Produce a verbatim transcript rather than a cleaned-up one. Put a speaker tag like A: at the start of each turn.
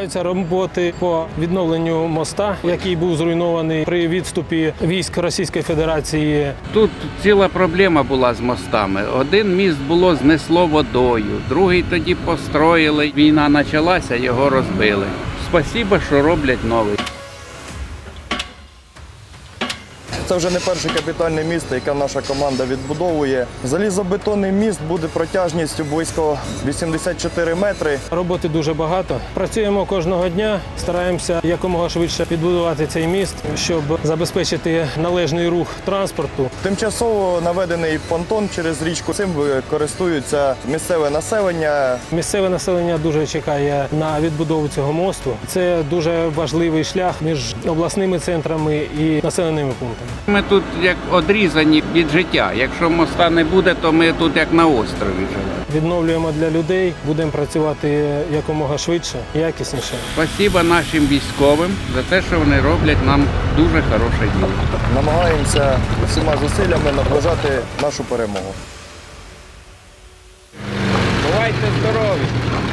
A: Відбуваються роботи по відновленню моста, який був зруйнований при відступі військ Російської Федерації.
B: Тут ціла проблема була з мостами. Один міст було знесло водою, другий тоді построїли. Війна почалася, його розбили. Спасибо, що роблять новий.
C: Це вже не перший капітальний міст, яке наша команда відбудовує. Залізобетонний міст буде протяжністю близько вісімдесят чотири метри.
A: Роботи дуже багато. Працюємо кожного дня, стараємося якомога швидше відбудувати цей міст, щоб забезпечити належний рух транспорту.
C: Тимчасово наведений понтон через річку. Цим користуються місцеве населення.
A: Місцеве населення дуже чекає на відбудову цього мосту. Це дуже важливий шлях між обласними центрами і населеними пунктами.
B: Ми тут як одрізані від життя. Якщо моста не буде, то ми тут як на острові живемо.
A: Відновлюємо для людей, будемо працювати якомога швидше, якісніше.
B: Спасибо нашим військовим за те, що вони роблять нам дуже хороше діло.
C: Намагаємося всіма зусиллями наближати нашу перемогу.
B: Бувайте здорові!